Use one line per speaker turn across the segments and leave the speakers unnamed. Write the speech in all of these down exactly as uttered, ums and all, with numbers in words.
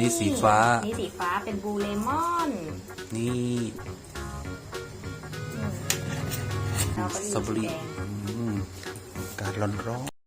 นี้สีฟ้า
นี่สีฟ้าเป็นบลูเลมอน
นี่สตรอเบอรี่อากาศร้อนร้อน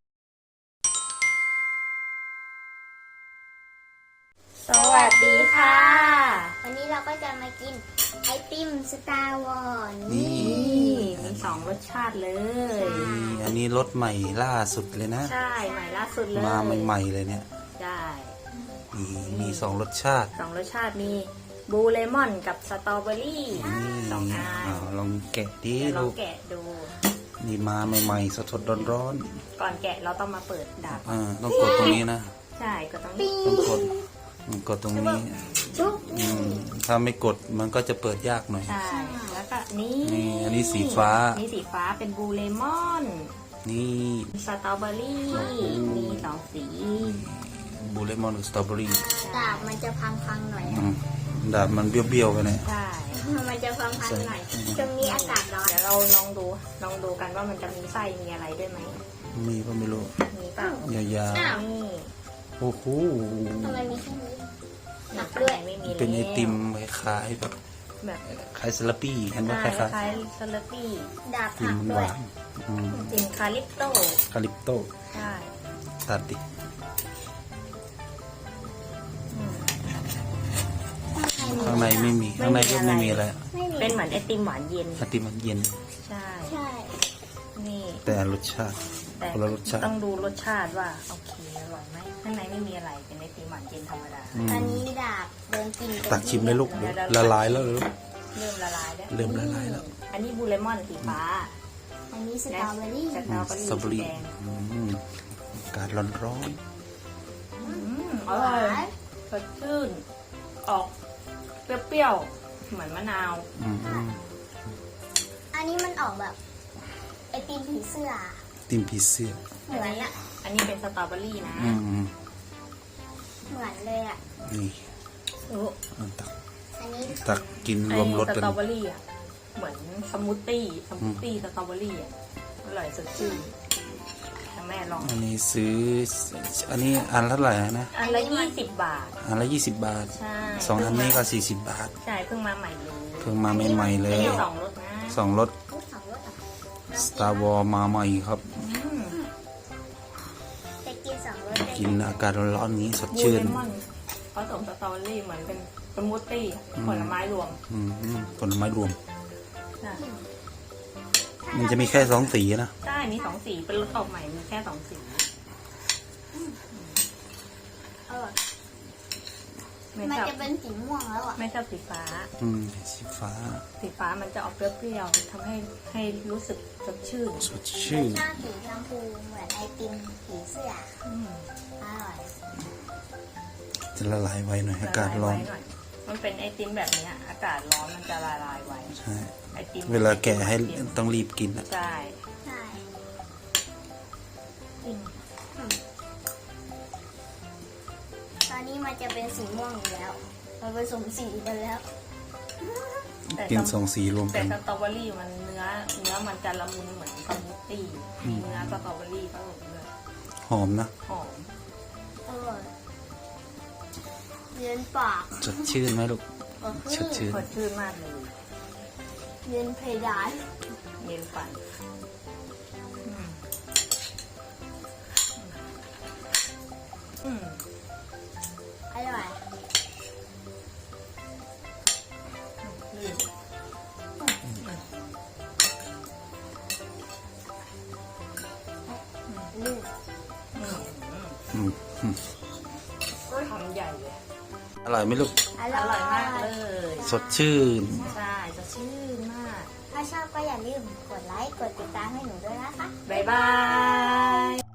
สวัสดีค่ะ
วันนี้เราก็จะมากินไอติมสตาร์วอร์
นี่
มีสองรสชาติเลย
อันนี้รสใหม่ล่าสุดเลยนะ
ใช่ใหม่ล่าสุดเลย
มาใหม่ๆเลยเนี่ย
ใช่
มีสองรสชาติ
สองรสชาติมีบลูเลมอนกับสตรอเบอรี่สองอัน
ลองแกะดิ
ลองแกะดู
นี่มาใหม่ๆสดๆร้อน
ๆก่อนแกะเราต้องมาเปิดดาบ
ต้องกดตรงนี้นะ
ใช่กดตรงนี้
ต้องกดกดตรงนี้ถ้าไม่กดมันก็จะเปิดยากหน่อย
ใช่แล้วก็นี่
นี่อันนี้สีฟ้า
นี่สีฟ้าเป็นบลูเลมอน
นี่
สตรอเบอรี่มีสองสี
บลูเลมอนกับสตรอเบอรี่
ดาบมันจะพังๆหน่อย
ดาบมันเบี้ยวๆไปเนี่ย
ใช่
มันจะพังๆหน่อยตรงนี้อากาศร้อน
เดี๋ยวเราลองดูลองดูกันว่ามันจะมีไส้มีอะไรด้วยไหม
มีก็ไม่รู้
มีเปล่
ายาว
ๆนี่
โอ้โห
ทำไมมีแค่นี้
หนักด้วยไม่มี
เป็นไอติมคล้ายแบบแบบคล้ายสลัดปี้เห็นไหมคล้าย
คล้ายสลัดปี้
ดาบผักด้วย
จริงคาลิปโต้
คาลิปโต้
ใช่
ตัดดิข้างในไม่มีข้างในก็ไม่มีอะไร
เป็นเหมือนไอติมหวานเย็น
ไอติมหวานเย็น
ใช่ใช่นี่
แต่รสชาติคนละรสชาติ
ต้องดูรสชาติว่าโอเคอร่อยไหมข้างในไม่มีอะไรเป็นไอติมหวานเย็นธรรมดา
อันนี้ดาบเดินกิน
ตักชิมเลยลูกละลายแล้วลูก
เริ่มละลายแล้ว
เริ่มละลายแล้ว
อันนี้บลูเลมอนสีฟ้า
อันนี้สตรอเบอรี่
สตรอเบอรี่แดง
อากาศร้อนร้อน
อร่อยสดชื่นออกเปรี้ยวๆเหมือนมะนาว
อันนี้มันออกแบบไอติมผีเสื้อ
ติมผีเสื้อ
เหมือนอะ
อันนี้เป็นสตรอเบอรี่นะ
เหมือนเลยอะ
นี่ตัก
อันนี้
ตักกินรวมรส
กันสตรอเบอรี่อะเหมือนสมูทตี้สมูทตี้สตรอเบอรี่อะอร่อยสดชื่นแม่ลอง
อันนี้ซื้ออันนี้อันละเท่าไหร่นะ
อันละยี่สิบบาท
อันละยี่สิบบาท
ใช่
สองอันนี้ก็สี่สิบบาท
ใช่เพิ่งมาใหม่เลย
เพิ่งมาใหม่ๆเลย
สองรสนะ
สองรสสตาร์วอร์มาใหม่ครับ
จะกินสองรส
กินอากาศร้อนๆนี้สดชื่น
ผสมสตรอเบอรี่เหมือนเป็นสมูทตี้ผลไม้รวม
ผลไม้รวมมันจะมีแค่สองสีนะ
ใช่มีสองสีเป็นรสออกใหม่มีแค่สองสี
มันจะเป็นสีม่วงแล้วอ่ะ
ไม่ชอบสีฟ้า
อืมสีฟ้า
สีฟ้ามันจะออกเปรี้ยวๆทำให้ให้รู้สึกสดชื่น
สดชื่น
ชอบสีชมพูเหมือนไอติมผีเสื้ออร่อย
จะละลายไวหน่อยอากาศร้อน
มันเป็นไอติมแบบนี้อากาศร้อนมันจะละลายไว
ใช่เวลาแกะให้ต้องรีบกินอ่ะ
ใช่
ใช่ตอนนี้มันจะเป็นสีม่วงอยู่แล้วมันผสมสีไปแล้ว
กินสองสีรวมกัน
แต่สตรอเบอรี่มันเนื้อเนื้อมันจะละมุนเหมือนสมูทตี้เนื้อสตรอเบอรี่ผสมด้วย
หอมนะ
หอม
อร่อยเย็นปาก
สดชื่นไหมลูกสดชื่น
สดชื่นมากเลย
เย็นเพดาน
เย็นฝันอืม
อร่อยลื่น
อืมอืม
ก็ทำใหญ่เลย
อร่อยไหมลูก
อร่อยมากเลย
สดชื่น
ใช่สดชื่นมาก
ถ้าชอบก็อย่าลืมกดไลค์กดติดตามให้หนูด้วยนะคะ
บ๊ายบาย